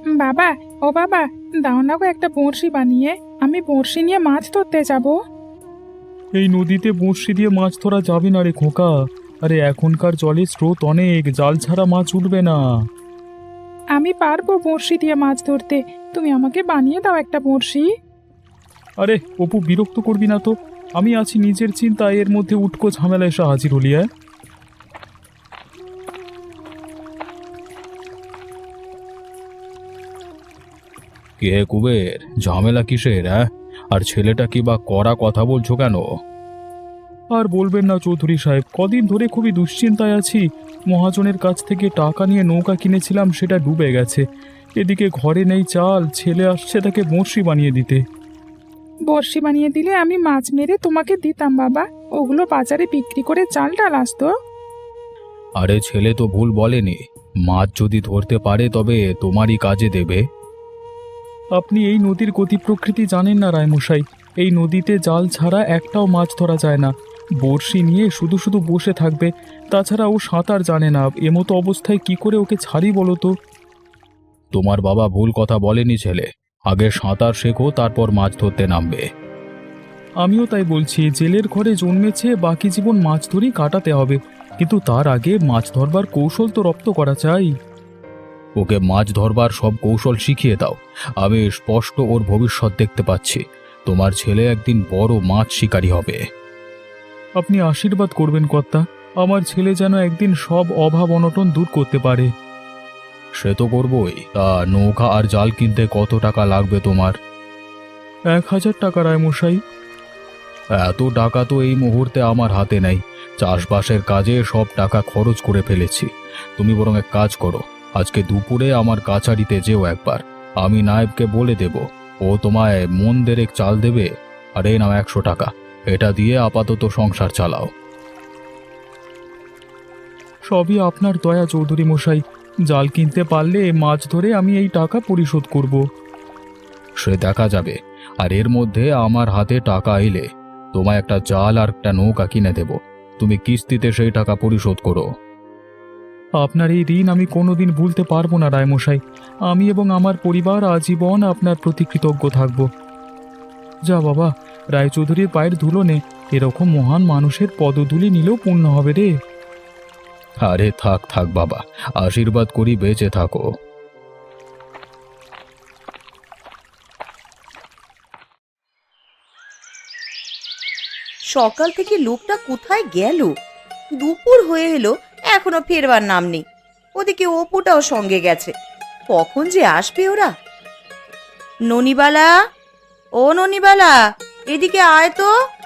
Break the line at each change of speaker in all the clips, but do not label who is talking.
বাবা, ও বাবা, দাও না গো একটা বড়শি বানিয়ে, আমি বড়শি নিয়ে মাছ ধরতে যাব।
এই নদীতে বঁড়শি দিয়ে মাছ ধরা যাবে না রে খোকা। আরে এখনকার জলের স্রোত অনেক, জাল ছাড়া মাছ উঠবে না।
আমি পারবো বড়শি দিয়ে মাছ ধরতে, তুমি আমাকে বানিয়ে দাও একটা বড়শি।
আরে অপু, বিরক্ত করবি না তো। আমি আছি নিজের চিন্তায়, এর মধ্যে উটকো ঝামেলা এসে হাজির হলি। কে কুবের, ঝামেলা কিসের? আর ছেলেটা কি বা কড়া কথা বলছো কেন? আর বলবেন না চৌধুরী সাহেব, কদিন ধরে খুবই দুশ্চিন্তায় আছি। মহাজনের কাছ থেকে টাকা নিয়ে নৌকা কিনেছিলাম, সেটা ডুবে গেছে। এদিকে ঘরে নেই চাল, ছেলে আসছে তাকে বড়শি বানিয়ে দিতে।
বড়শি বানিয়ে দিলে আমি মাছ মেরে তোমাকে দিতাম বাবা, ওগুলো বাজারে বিক্রি করে চাল ডাল আসতো।
আরে ছেলে তো ভুল বলেনি, মাছ যদি ধরতে পারে তবে তোমারই কাজে দেবে। আপনি এই নদীর গতি প্রকৃতি জানেন না রায়মশাই। এই নদীতে জাল ছাড়া একটাও মাছ ধরা যায় না। বড়শি নিয়ে শুধু শুধু বসে থাকবে, তাছাড়া ও সাঁতার জানে না। এমতো অবস্থায় কি করে ওকে ছাড়ি বলো তো? তোমার বাবা ভুল কথা বলেনি ছেলে, আগে সাঁতার শেখো, তারপর মাছ ধরতে নামবে। আমিও তাই বলছি, জেলের ঘরে জন্মেছে, বাকি জীবন মাছ ধরেই কাটাতে হবে। কিন্তু তার আগে মাছ ধরবার কৌশল তো রপ্ত করা চাই। ওকে মাছ ধরবার সব কৌশল শিখিয়ে দাও। আমি স্পষ্ট ওর ভবিষ্যৎ দেখতে পাচ্ছি। তোমার ছেলে একদিন বড় মাছ শিকারী হবে। আপনি আশীর্বাদ করবেন কর্তা, আমার ছেলে যেন একদিন সব অভাব অনটন দূর করতে পারে। সে তো করবই। তা নৌকা আর জাল কিনতে কত টাকা লাগবে তোমার? 1000 টাকা রায়মশাই। এত টাকা তো এই মুহূর্তে আমার হাতে নেই। চাষবাসের কাজে সব টাকা খরচ করে ফেলেছি। তুমি বরং এক কাজ করো, আজকে দুপুরে আমার কাছারিতে যেও একবার। আমি নায়েবকে বলে দেব, ও তোমায় মন দেড়েক চাল দেবে। আর এই নাও 100 টাকা, এটা দিয়ে আপাতত সংসার চালাও। সবই আপনার দয়া চৌধুরী মশাই। জাল কিনতে পারলে মাছ ধরে আমি এই টাকা পরিশোধ করব। সে দেখা যাবে। আর এর মধ্যে আমার হাতে টাকা এলে তোমায় একটা জাল আর একটা নৌকা কিনে দেব। তুমি কিস্তিতে সেই টাকা পরিশোধ করো। আপনার এই ঋণ আমি কোনোদিন ভুলতে পারবো না রায়মশাই। আমি এবং আমার পরিবার আজীবন আপনার প্রতি কৃতজ্ঞ থাকব। যা বাবা, রায়চৌধুরীর পায়ের ধুলো নে। এরকম মহান মানুষের পদধূলি নিলেও পুণ্য হবে রে। আরে থাক থাক বাবা, আশীর্বাদ করি বেঁচে থাকো।
সকাল থেকে লোকটা কোথায় গেল? দুপুর হয়ে এলো, এখনো ফেরবার নাম নেই। ওদিকে অপুটাও সঙ্গে গেছে, কখন যে আসবে ওরা। ননিবালা, ও ননিবালা, এদিকে আয় তো।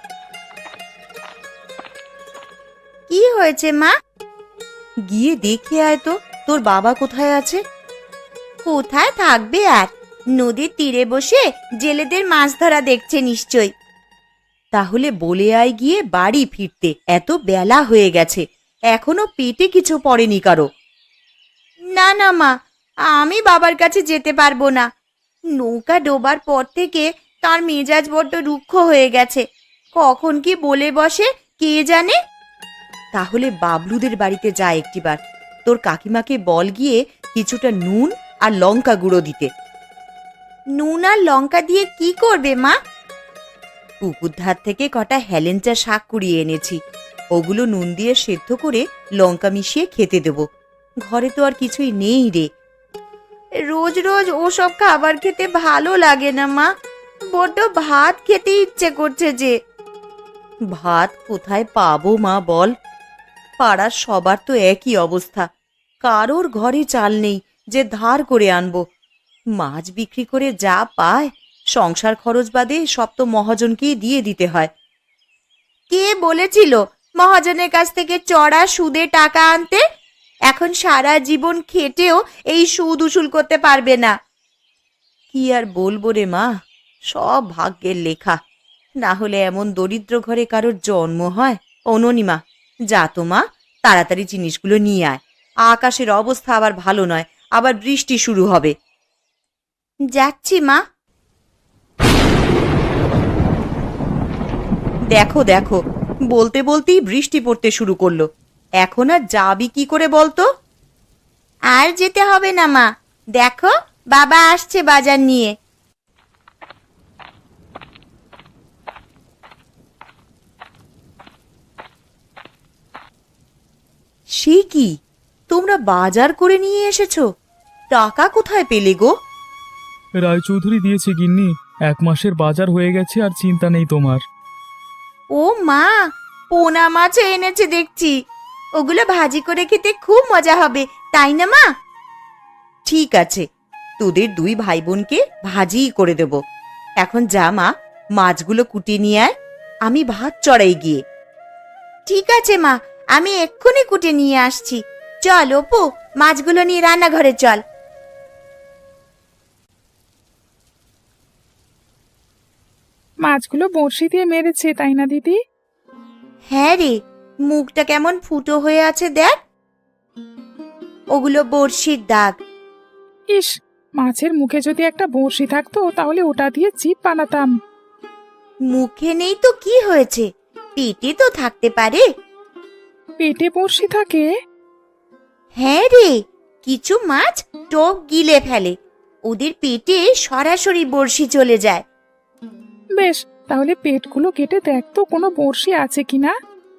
কি হয়েছে মা? গিয়ে দেখে আয় তো, তোর বাবা কোথায় আছে। কোথায় থাকবে আর, নদীর তীরে বসে জেলেদের মাছ ধরা দেখছে নিশ্চয়। তাহলে বলে আয় গিয়ে বাড়ি ফিরতে, এত বেলা হয়ে গেছে, এখনো পেটে কিছু পড়েনি কারো। না না মা, আমি বাবার কাছে যেতে পারবো না। নৌকা ডোবার পর থেকে তার মেজাজ বড্ড রুক্ষ হয়ে গেছে, কখন কি বলে বসে কে জানে। তাহলে বাবলুদের বাড়িতে যা একটিবার, তোর কাকিমাকে বল গিয়ে কিছুটা নুন আর লঙ্কা গুঁড়ো দিতে। নুন আর লঙ্কা দিয়ে কি করবে মা? পুকুর ধার থেকে কটা হেলেঞ্চা শাক কুড়িয়ে এনেছি, ওগুলো নুন দিয়ে সেদ্ধ করে লঙ্কা মিশিয়ে খেতে দেব। ঘরে তো আর কিছুই নেই রে। রোজ রোজ ওসব খাবার খেতে ভালো লাগে না মা, বড্ড ভাত খেতে ইচ্ছে করছে যে। ভাত কোথায় পাবো মা বল? পাড়ার সবার তো একই অবস্থা, কারোর ঘরে চাল নেই যে ধার করে আনবো। মাছ বিক্রি করে যা পায়, সংসার খরচ বাদে সব তো মহাজনকেই দিয়ে দিতে হয়। কে বলেছিল মহাজনের কাছ থেকে চড়া সুদে টাকা আনতে? এখন সারা জীবন খেটেও এই সুদ উসুল করতে পারবে না। কি আর বলবো রে মা, সব ভাগ্যের লেখা। না হলে এমন দরিদ্র ঘরে কারোর জন্ম হয়। অননিমা, যা তো মা, তাড়াতাড়ি জিনিসগুলো নিয়ে আয়। আকাশের অবস্থা আবার ভালো নয়, আবার বৃষ্টি শুরু হবে। যাচ্ছি মা। দেখো দেখো, বলতে বলতেই বৃষ্টি পড়তে শুরু করলো। এখন আর যাবি কি করে বলতো? আর যেতে হবে না মা, দেখো বাবা আসছে বাজার নিয়ে। সে কি, তোমরা বাজার করে নিয়ে এসেছো? টাকা কোথায় পেলে গো?
রায়চৌধুরী দিয়েছে গিন্নি, 1 মাসের বাজার হয়ে গেছে, আর চিন্তা নেই তোমার।
ও মা, পোনা মাছও এনেছে দেখছি। ওগুলো ভাজি করে খেতে খুব মজা হবে, তাই না মা? ঠিক আছে, তোদের 2 ভাই বোনকে ভাজিই করে দেব। এখন যা মা, মাছগুলো কুটিয়ে নিয়ে আয়, আমি ভাত চড়াই গিয়ে। ঠিক আছে মা, আমি এক্ষুনি কুটে নিয়ে আসছি। চল অপু, মাছগুলো নিয়ে রান্নাঘরে চল।
মাছগুলো বড়শি দিয়ে মেরেছে, তাই না দিদি?
হ্যাঁ রে, মুখটা কেমন ফুটো হয়ে আছে দেখ। ওগুলো বড়শির দাগ।
ইস, মাছের মুখে যদি একটা বড়শি থাকতো তাহলে ওটা দিয়ে চিপ বানাতাম।
মুখে নেই তো কি হয়েছে, পেটে তো থাকতে পারে।
পেটে বড়শি থাকে?
হ্যাঁ রে, কিছু মাছ টোপ গিলে ফেলে, ওদের পেটে সরাসরি বড়শি চলে যায়।
বেশ, তাহলে পেটগুলো কেটে দেখ তো কোনো বড়শি আছে কিনা।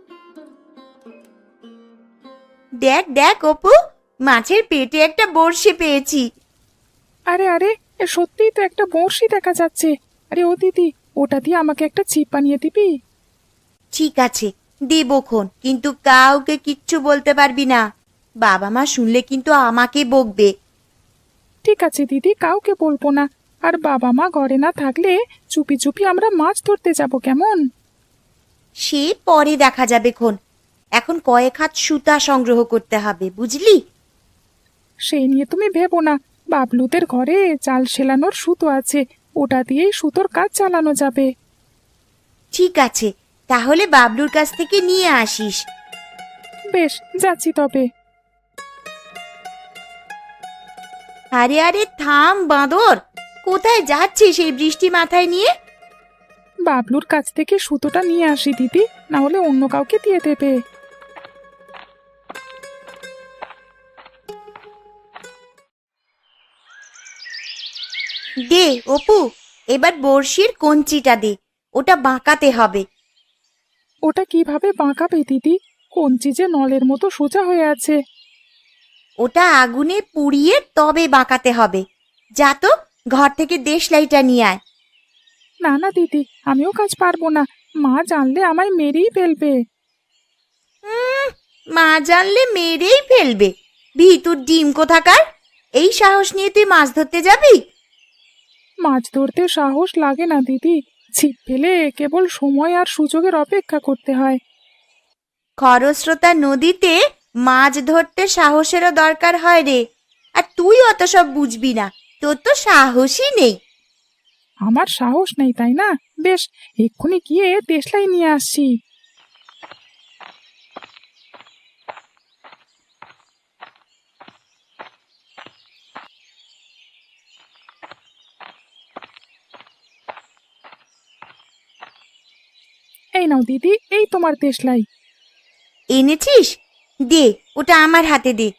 দেখ দেখ অপু, মাছের পেটে একটা বড়শি পেয়েছি।
আরে আরে, এ সত্যিই তো একটা বড়শি দেখা যাচ্ছে। আরে ও দিদি, ওটা দিয়ে আমাকে একটা ছিপ বানিয়ে দিবি?
ঠিক আছে, দেবক্ষণ, কিন্তু কাউকে কিচ্ছু বলতে পারবি না। বাবা মা শুনলে কিন্তু আমাকে বকবে।
ঠিক আছে দিদি, কাউকে বলবো না। আর বাবা মা ঘরে না থাকলে চুপি চুপি আমরা মাছ ধরতে যাব, কেমন?
সে পরে দেখা যাবে খন, এখন কয়েক হাত সুতা সংগ্রহ করতে হবে, বুঝলি?
সেই নিয়ে তুমি ভেবো না, বাবলুদের ঘরে জাল সেলানোর সুতো আছে, ওটা দিয়েই সুতোর কাজ চালানো যাবে।
ঠিক আছে, তাহলে বাবলুর কাছ থেকে নিয়ে আসিস।
বেশ, যাচ্ছি তবে।
আরে আরে থাম বাঁদর, কোথায় যাচ্ছিস এই বৃষ্টি মাথায় নিয়ে?
বাবলুর কাছ থেকে সুতোটা নিয়ে আসি দিদি, না হলে অন্য কাউকে দিয়ে দেবে।
দে অপু, এবার বড়শির কঞ্চিটা দে, ওটা বাঁকাতে হবে।
ওটা কিভাবে বাঁকাবে দিদি? কঞ্চি যে নলের মতো সোজা হয়ে আছে।
ওটা আগুনে পুড়িয়ে তবে বাঁকাতে হবে। যা তো, ঘর থেকে দেশলাইটা নিয়ে আয়।
না না দিদি, আমিও কাজ পারবো না, মা জানলে আমায় মেরেই ফেলবে।
মা জানলে মেরেই ফেলবে? ভিতুর ডিম কোথাকার, এই সাহস নিয়ে তুই মাছ ধরতে যাবি?
মাছ ধরতে সাহস লাগে না দিদি, ছিপ ফেলে কেবল সময় আর সুযোগের অপেক্ষা করতে হয়।
খরস্রোতা নদীতে মাছ ধরতে সাহসেরও দরকার হয় রে, আর তুই অত সব বুঝবি না, তোর তো সাহসই নেই।
আমার সাহস নেই তাই না? বেশ, এক্ষুনি গিয়ে দেশলাই নিয়ে আসছি। এই নাও দিদি, এই তোমার দেশলাই।
এনেছিস? দে, ওটা আমার হাতে দে।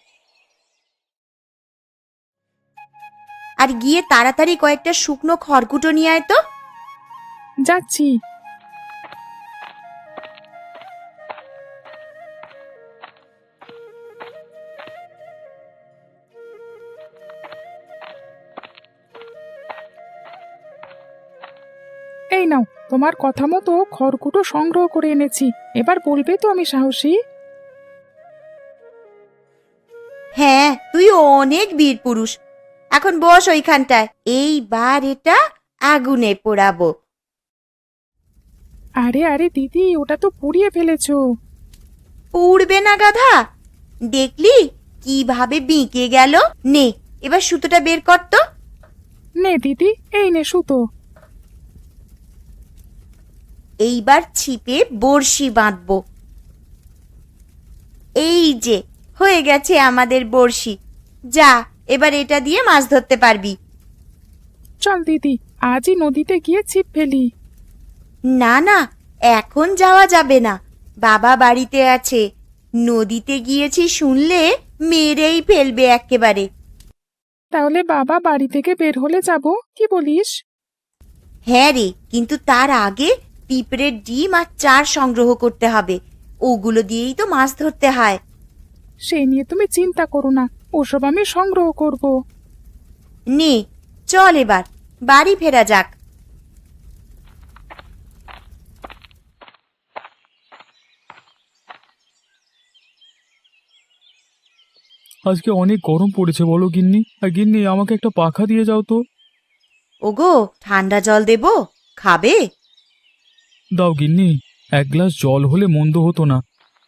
আর গিয়ে তাড়াতাড়ি কয়েকটা শুকনো খড়কুটো নিয়ে আয় তো।
যাচ্ছি। এই নাও, তোমার কথা মতো খড়কুটো সংগ্রহ করে এনেছি। এবার বলবে তো আমি সাহসী?
হ্যাঁ, তুই অনেক বীর পুরুষ। এখন বস ওইখানটায়, এইবার এটা আগুনে পোড়াবো।
আরে আরে দিদি, ওটা তো পুড়িয়ে ফেলেছো।
পুড়বে না গাধা, দেখলি কিভাবে বিঁকে গেল? নে, এবার সুতোটা বের কর তো।
নে দিদি, এই নে সুতো।
এইবার ছিপে বড়শি বাঁধবো। এই যে হয়ে গেছে আমাদের বড়শি। যা, এবার এটা দিয়ে মাছ ধরতে পারবি।
চল দিদি, আজই নদীতে গিয়ে ছিপ ফেলি।
না না, এখন যাওয়া যাবে না, বাবা বাড়িতে আছে। নদীতে গিয়েছি শুনলে মেরেই ফেলবে একেবারে।
তাহলে বাবা বাড়ি থেকে বের হলে যাব, কি বলিস?
হ্যাঁ রে, কিন্তু তার আগে পিঁপড়ের ডিম আর চার সংগ্রহ করতে হবে। ওগুলো দিয়েই তো মাছ ধরতে হয়।
সে নিয়ে তুমি চিন্তা করো না, ওসব আমি সংগ্রহ করব।
নে, চল এবার বাড়ি ফেরা যাক।
আজকে অনেক গরম পড়েছে বলো গিন্নি। আর গিন্নি, আমাকে একটা পাখা দিয়ে যাও তো।
ওগো, ঠান্ডা জল দেব, খাবে?
দাও গিন্নি, এক গ্লাস জল হলে মন্দ হতো না।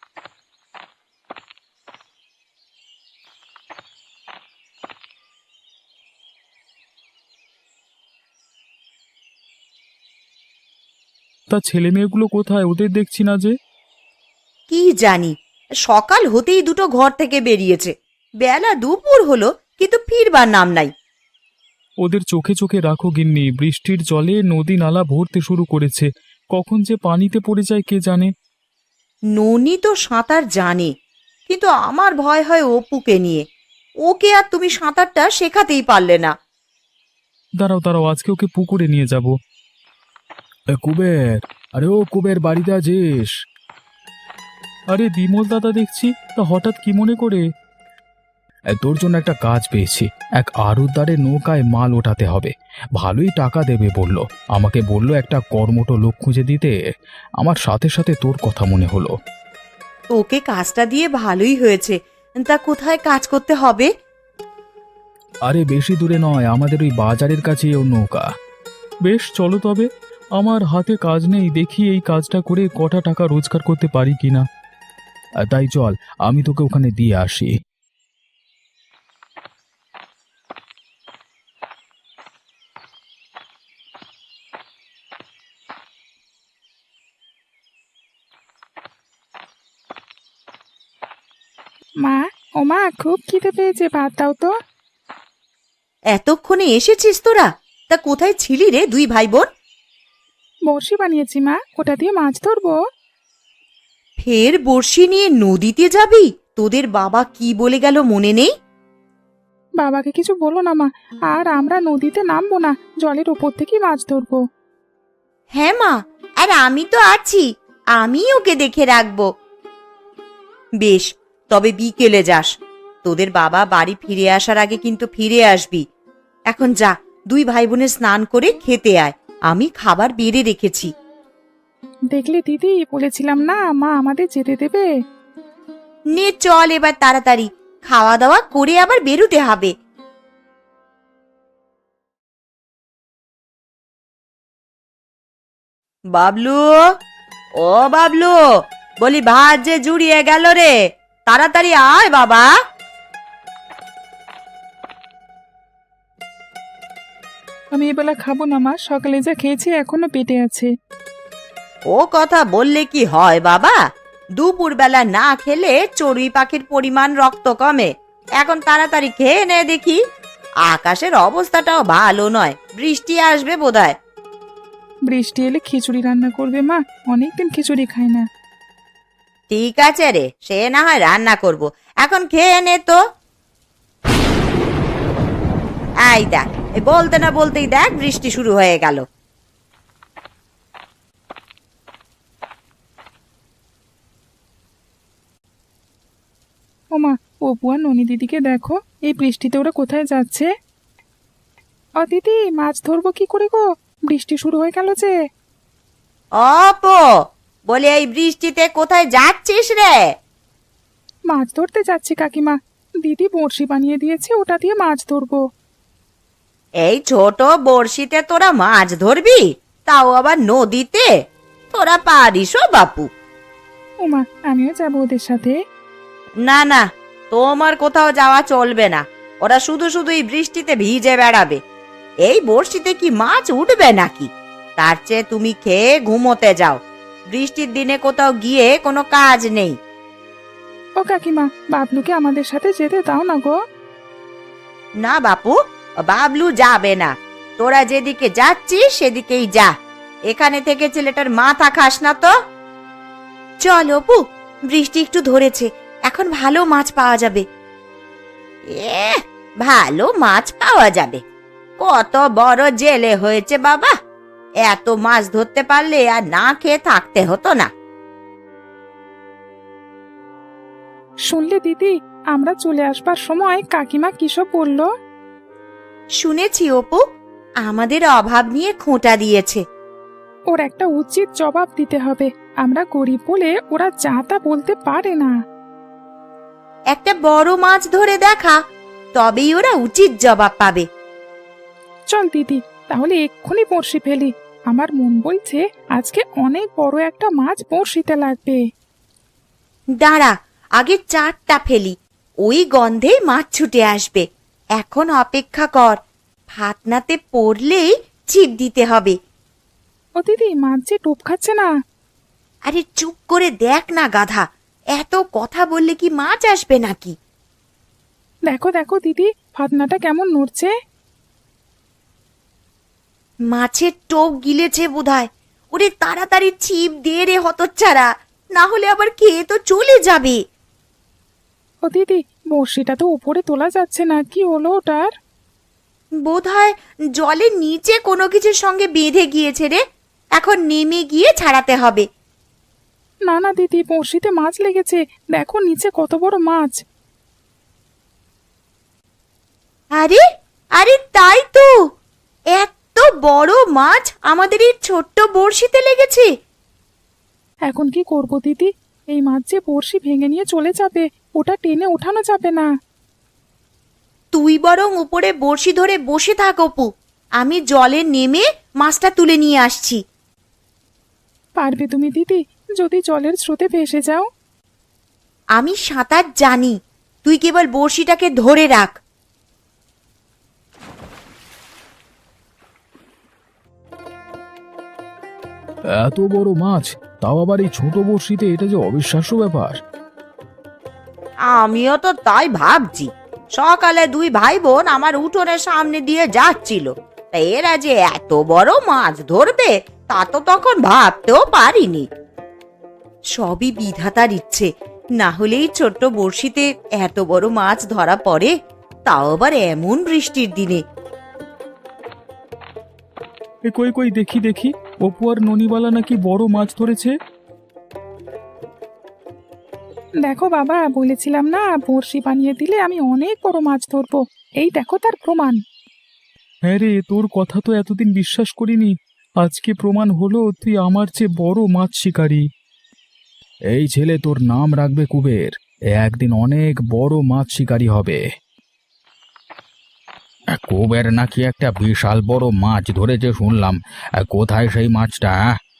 তা ছেলে মেয়েগুলো কোথায়? ওদের দেখছি না যে।
কি জানি, সকাল হতেই দুটো ঘর থেকে বেরিয়েছে। বেলা দুপুর হলো কিন্তু ফিরবার নাম নাই।
ওদের চোখে চোখে রাখো গিন্নি, বৃষ্টির জলে নদী নালা ভরতে শুরু করেছে। কখন যে পানিতে পড়ে যায় কে জানে।
ননি তো সাঁতার জানে, কিন্তু আমার ভয় হয় অপুকে নিয়ে। ওকে আর তুমি সাঁতারটা শেখাতেই পারলে না।
দাঁড়াও দাঁড়াও, আজকে ওকে পুকুরে নিয়ে যাব। কুবের, আরে ও কুবের, বাড়িতে আছিস? আরে বিমল দাদা দেখছি, তা হঠাৎ কি মনে করে? তোর জন্য একটা কাজ পেয়েছি। এক আড়তদারের নৌকায় মাল ওঠাতে হবে, ভালোই টাকা দেবে বলল। আমাকে বলল একটা কর্মঠ লোক খুঁজে দিতে। আমার সাথে সাথে তোর কথা মনে হলো।
ওকে কাজটা দিয়ে ভালোই হয়েছে। তা কোথায় কাজ করতে হবে?
আরে বেশি দূরে নয়, আমাদের ওই বাজারের কাছেই ওর নৌকা। বেশ, চলো তবে। আমার হাতে কাজ নেই, দেখি এই কাজটা করে কটা টাকা রোজগার করতে পারি কিনা। তাই চল, আমি তোকে ওখানে দিয়ে আসি।
মা, ও মা, খুব খিদে পেয়েছে, ভাত দাও তো।
এতক্ষণে এসেছিস তোরা? তা কোথায় ছিলি রে দুই ভাই বোন?
বড়শি বানিয়েছি মা, ওটা দিয়ে মাছ ধরবো।
ফের বড়শি নিয়ে নদীতে যাবি? তোদের বাবা কি বলে গেল মনে নেই?
বাবাকে কিছু বলো না মা, আর আমরা নদীতে নামবো না, জলের ওপর থেকেই মাছ ধরবো।
হ্যাঁ মা, আর আমি তো আছি, আমি ওকে দেখে রাখবো। বেশ, তবে বিকেলে যাস। তোদের বাবা বাড়ি ফিরে আসার আগে কিন্তু ফিরে আসবি। এখন যা, দুই ভাই বোনের স্নান করে খেতে আয়, আমি খাবার বেড়ে রেখেছি।
দেখলে দিদি, বলেছিলাম না মা আমাদের যেতে দেবে।
নে চল এবার তাড়াতাড়ি, খাওয়া দাওয়া করে আবার বেরুতে হবে। বাবলু, ও বাবলু, বলি ভাত যে জুড়িয়ে গেল রে, তাড়াতাড়ি আয় বাবা।
আমি এবেলা খাবো না মা, সকালে যা খেয়েছি এখনো পেটে আছে।
ও কথা বললে কি হয় বাবা? দুপুর বেলা না খেলে চড়ুই পাখির পরিমাণ রক্ত কমে। এখন তাড়াতাড়ি খেয়ে নে দেখি। আকাশের অবস্থাটাও ভালো নয়, বৃষ্টি আসবে বোধহয়।
বৃষ্টি এলে খিচুড়ি রান্না করবে মা, অনেকদিন খিচুড়ি খাই না।
ঠিক আছে রে, সে না হয় রান্না করব, এখন খেয়ে নে তো। এই দেখ, বলতে না বলতেই দেখ বৃষ্টি শুরু হয়ে গেল।
ও মা, অপু আর ননি দিদিকে দেখো, এই বৃষ্টিতে ওরা কোথায় যাচ্ছে? ও দিদি, মাছ ধরবো কি করে গো, বৃষ্টি শুরু হয়ে গেল যে।
অপো, বলে এই বৃষ্টিতে কোথায় যাচ্ছিস রে?
মাছ ধরতে যাচ্ছি কাকিমা, দিদি বড়শি বানিয়ে দিয়েছে, ওটা দিয়ে মাছ ধরবো।
এই ছোট বড়শিতে তোরা মাছ ধরবি, তাও আবার নদীতে? তোরা পারিস ও বাপু?
ও মা, আমিও যাবো ওদের সাথে।
না না, তোমার কোথাও যাওয়া চলবে না। ওরা শুধু শুধু এই বৃষ্টিতে ভিজে বেড়াবে। এই বড়শিতে কি মাছ উঠবে নাকি? তার চেয়ে তুমি খেয়ে ঘুমোতে যাও। বৃষ্টির দিনে কোথাও গিয়ে কোনো কাজ নেই।
ও কাকিমা, বাবলুকে আমাদের সাথে যেতে দাও না গো।
না বাপু, বাবলু যাবে না। তোরা যেদিকে যাচ্ছিস সেদিকেই যা, এখানে থেকে ছেলেটার মাথা খাস না তো। চল অপু, বৃষ্টি একটু ধরেছে, এখন ভালো মাছ পাওয়া যাবে। ভালো মাছ পাওয়া যাবে। কত বড় জেলে হয়েছে বাবা, এত মাছ ধরতে পারলে আর না খেয়ে থাকতে হতো না।
শুনলে দিদি, আমরা চলে আসবার সময় কাকিমা কিসব বললো?
শুনেছি অপু, আমাদের অভাব নিয়ে খোঁটা দিয়েছে।
ওর একটা উচিত জবাব দিতে হবে। আমরা গরিব বলে ওরা যা তা বলতে পারে না।
একটা বড় মাছ ধরে দেখা, তবেই ওরা উচিত জবাব পাবে।
চল দিদি, তাহলে এক্ষুনি বড়শি ফেলি। আমার মন বলছে আজকে অনেক বড় একটা মাছ বড়শিতে লাগবে।
দাঁড়া, আগে চারটা ফেলি, ওই গন্ধেই মাছ ছুটে আসবে। এখন অপেক্ষা কর, ফাতনাতে পড়লেই ছিপ দিতে হবে।
ও দিদি, মাছ যে টোপ খাচ্ছে না।
আরে চুপ করে দেখ না গাধা, এত কথা বললে কি মাছ আসবে নাকি?
দেখো দেখো দিদি, ফাতনাটা কেমন নড়ছে।
মাছের টোপ গিলেছে বোধহয়। ওরে তাড়াতাড়ি ছিপ দে রে হতচ্ছাড়া, না হলে আবার খেয়ে তো চলে যাবে।
ও দিদি, বড়শিটা তো উপরে তোলা যাচ্ছে না, কি হলো ওটার?
বোধহয় জলের নিচে কোনো কিছুর সঙ্গে বেঁধে গিয়েছে রে, এখন নেমে গিয়ে ছাড়াতে হবে।
না না দিদি, বড়শিতে মাছ লেগেছে, দেখো নিচে কত বড় মাছ।
আরে আরে তাই তো, এত বড় মাছ আমাদের এই ছোট্ট বড়শিতে লেগেছে।
এখন কি করব দিদি? এই মাছ যে বড়শি ভেঙে নিয়ে চলে যাবে, ওটা টেনে ওঠানো যাবে না।
তুই বরং উপরে বড়শি ধরে বসে থাক অপু, আমি জলে নেমে মাছটা তুলে নিয়ে আসছি।
পারবে তুমি দিদি, যদি জলের স্রোতে ভেসে যাও?
আমি সাঁতার জানি, তুই কেবল বড়শিটাকে ধরে রাখ।
এত বড় মাছ, তাও আবার এই ছোট বড়শিতে, এটা যে অবিশ্বাস্য ব্যাপার।
আমিও তো তাই ভাবছি। সকালে দুই ভাই বোন আমার উঠোনের সামনে দিয়ে যাচ্ছিল, তা এরা যে এত বড় মাছ ধরবে তা তো তখন ভাবতেও পারিনি। সবই বিধাতার ইচ্ছে, না হলেই ছোট্ট বড়শিতে এত বড় মাছ ধরা পড়ে, তাও আবার এমন বৃষ্টির দিনে।
এ কই কই, দেখি দেখি, অপু আর ননিবালা নাকি বড় মাছ ধরেছে।
দেখো বাবা, বলেছিলাম না বড়শি বানিয়ে দিলে আমি অনেক বড় মাছ ধরবো। এই দেখো তার প্রমাণ।
হ্যাঁ রে, তোর কথা তো এতদিন বিশ্বাস করিনি, আজকে প্রমাণ হলো তুই আমার চেয়ে বড় মাছ শিকারী। এই ছেলে তোর নাম রাখবে কুবের, একদিন অনেক বড় মাছ শিকারী হবে। কুবের নাকি একটা বিশাল বড় মাছ ধরেছে শুনলাম, কোথায় সেই মাছটা?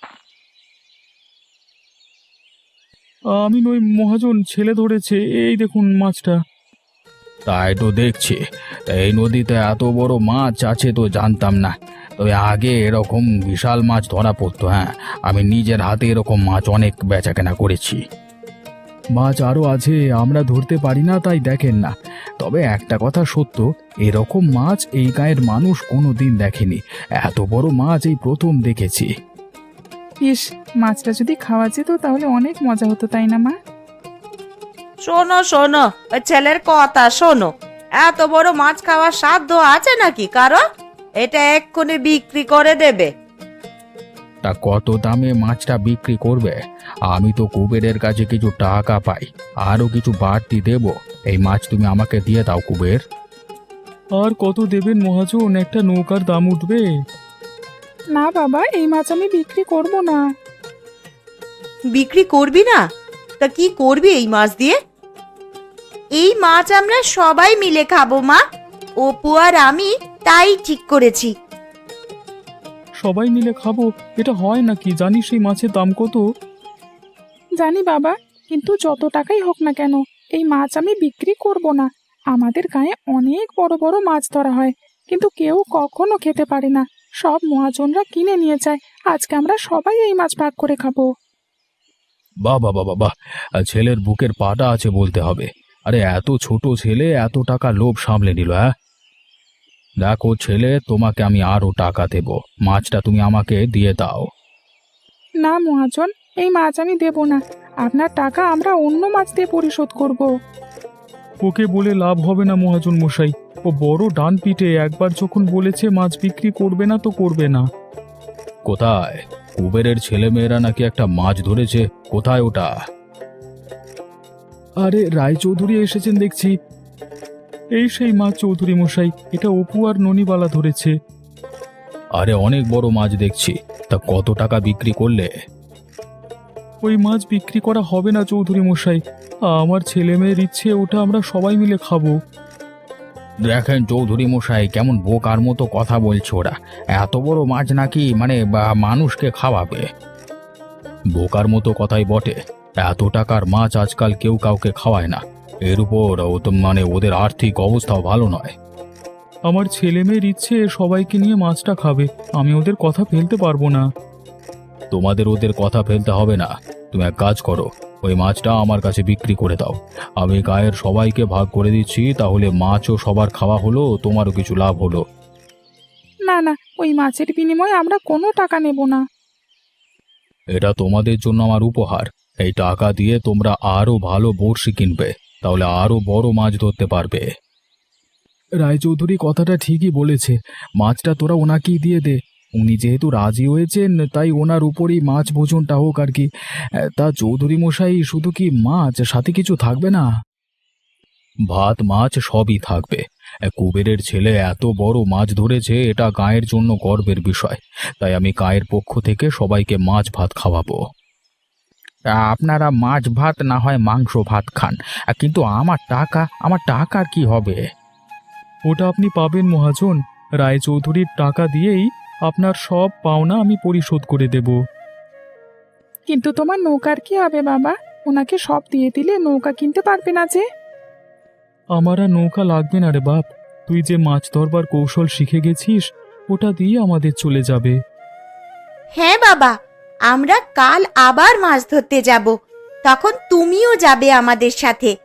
আমি নই মহাজন, ছেলে ধরেছে, এই দেখুন মাছটা। তাই তো দেখছি, তা এই নদীতে এত বড় মাছ আছে তো জানতাম না। তবে আগে এরকম বিশাল মাছ ধরা পড়তো, হ্যাঁ, আমি নিজের হাতে এরকম মাছ অনেক বেচাকেনা করেছি। মাছ আরও আছে, আমরা ধরতে পারি না তাই দেখেন না। তবে একটা কথা সত্য, এরকম মাছ এই গায়ের মানুষ কোনো দিন দেখেনি। এত বড় মাছ এই প্রথম দেখেছি।
ইস, মাছটা যদি খাওয়া যেত তাহলে অনেক মজা হতো, তাই না মা?
শোনো শোনো, ওই ছেলের কথা শোনো। এত বড় মাছ খাওয়ার সাধ্য আছে নাকি কারো? এটা এক্ষুনি বিক্রি করে দেবে।
তা কত দামে মাছটা বিক্রি করবে? আমি তো কুবেরের কাছে কিছু টাকা পাই, আরও কিছু বাড়তি দেব। এই মাছ তুমি আমাকে দিয়ে দাও কুবের। আর কত দেবেন মহাজন? একটা নৌকার দাম উঠবে।
না বাবা, এই মাছ আমি বিক্রি করব না।
বিক্রি করবি না? তা কি করবি এই মাছ দিয়ে? এই মাছ আমরা সবাই মিলে খাবো মা, অপু আর আমি তাই ঠিক করেছি।
সবাই মিলে খাবো, এটা হয় নাকি? জানিস এই মাছের দাম কত?
জানি বাবা, কিন্তু যত টাকাই হোক না কেন, এই মাছ আমি বিক্রি করব না। আমাদের গায়ে অনেক বড় বড় মাছ ধরা হয়, কিন্তু কেউ কখনো খেতে পারে না। সব মহাজনরা কিনে নিয়ে যায়। আজকে আমরা সবাই এই মাছ ভাগ করে খাবো।
বাহ বাহ বাহ বাহ, ছেলের বুকের পাটা আছে বলতে হবে। আরে এত ছোট ছেলে এত টাকা লোভ সামলে নিল, হ্যাঁ? দেখো ছেলে, তোমাকে আমি আরো টাকা দেব, মাছটা তুমি আমাকে দিয়ে দাও।
না মহাজন, এই মাছ আমি দেব না। আপনার টাকা আমরা অন্য মাছ দিয়ে পরিশোধ করব।
ওকে বলে লাভ হবে না মহাজন মশাই। ও বড় ডান পিঠে, একবার যখন বলেছে মাছ বিক্রি করবে না তো করবে না। কোথায়? কুবেরের ছেলেমেয়েরা নাকি একটা মাছ ধরেছে, কোথায় ওটা? আরে রায়চৌধুরী এসেছেন দেখছি। এই সেই মাছ চৌধুরী মশাই, এটা অপু আর ননিবালা ধরেছে। আরে অনেক বড় মাছ দেখছি, তা কত টাকা বিক্রি করলে? ওই মাছ বিক্রি করা হবে না চৌধুরী মশাই, আমার ছেলে মেয়ের ইচ্ছে, ওটা আমরা সবাই মিলে খাবো। দেখেন চৌধুরী মশাই, কেমন বোকার মতো কথা বলছে ওরা। এত বড় মাছ নাকি মানুষকে খাওয়াবে? বোকার মতো কথাই বটে। এত টাকার মাছ আজকাল কেউ কাউকে খাওয়ায় না। এর উপর ও তো ওদের আর্থিক অবস্থাও ভালো নয়। আমার ছেলে মেয়ের ইচ্ছে সবাইকে নিয়ে মাছটা খাবে, আমি ওদের কথা ফেলতে পারবো না। তোমাদের ওদের কথা ফেলতে হবে না। তুমি এক কাজ করো, ওই মাছটা আমার কাছে বিক্রি করে দাও। আমি গায়ের সবাইকে ভাগ করে দিচ্ছি, তাহলে মাছও সবার খাওয়া হলো, তোমারও কিছু লাভ হলো।
না না, ওই মাছের বিনিময়ে আমরা কোনো টাকা নেব না।
এটা তোমাদের জন্য আমার উপহার। এই টাকা দিয়ে তোমরা আরো ভালো বড়শি কিনবে, তাহলে আরো বড় মাছ ধরতে পারবে। রায়চৌধুরী কথাটা ঠিকই বলেছে, মাছটা তোরা ওনাকেই দিয়ে দে। উনি যেহেতু রাজি হয়েছেন, তাই ওনার উপরই মাছ ভোজনটা হোক আর কি। তা চৌধুরী মশাই, শুধু কি মাছ, সাথে কিছু থাকবে না? ভাত মাছ সবই থাকবে। কুবেরের ছেলে এত বড় মাছ ধরেছে, এটা গায়ের জন্য গর্বের বিষয়। তাই আমি গায়ের পক্ষ থেকে সবাইকে মাছ ভাত খাওয়াবো। আপনারা মাছ ভাত না হয় মাংস ভাত খান, কিন্তু আমার টাকার কি হবে? ওটা আপনি পাবেন মহাজন। রায়চৌধুরীর টাকা দিয়েই আপনার সব পাওনা আমি পরিশোধ করে দেব।
কিন্তু তোমার নৌকার কি হবে বাবা? ওনাকে সব দিয়ে দিলে নৌকা কিনতে পারবে না যে।
আমার আর নৌকা লাগবে না রে বাপ, তুই যে মাছ ধরবার কৌশল শিখে গেছিস, ওটা দিয়ে আমাদের চলে যাবে।
হ্যাঁ বাবা, আমরা কাল আবার মাছ ধরতে যাব, তখন তুমিও যাবে আমাদের সাথে।